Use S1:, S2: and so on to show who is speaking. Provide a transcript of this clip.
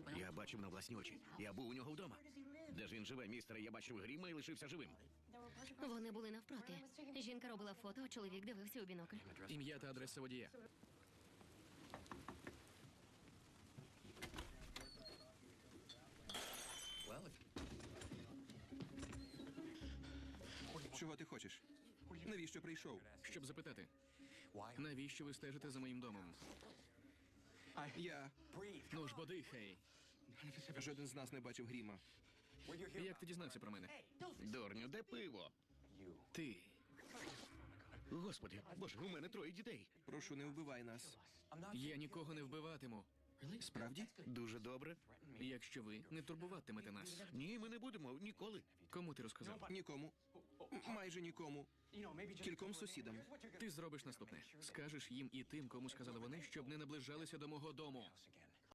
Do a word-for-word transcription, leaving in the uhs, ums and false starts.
S1: Я бачив на власні очі. Я був у нього вдома. Де ж він живе, містере? Я бачив Гріма і лишився живим.
S2: Вони були навпроти. Жінка робила фото, а чоловік дивився у бінокль.
S3: Ім'я та адреса водія.
S4: Чого ти хочеш? Навіщо прийшов?
S3: Щоб запитати, навіщо ви стежите за моїм домом?
S4: Я...
S3: Ну ж, подихай.
S4: Жоден з нас не бачив Гріма.
S3: Як ти дізнався про мене?
S1: Дурню, де пиво?
S3: Ти.
S1: Господи, боже, у мене троє дітей.
S4: Прошу, не вбивай нас.
S3: Я нікого не вбиватиму,
S4: Справді?
S1: Дуже добре.
S3: якщо ви не турбуватимете нас.
S1: Ні, ми не будемо ніколи.
S3: Кому ти розказав?
S4: Нікому. М- Майже нікому. Кільком сусідам.
S3: Ти зробиш наступне. Скажеш їм і тим, кому сказали вони, щоб не наближалися до мого дому.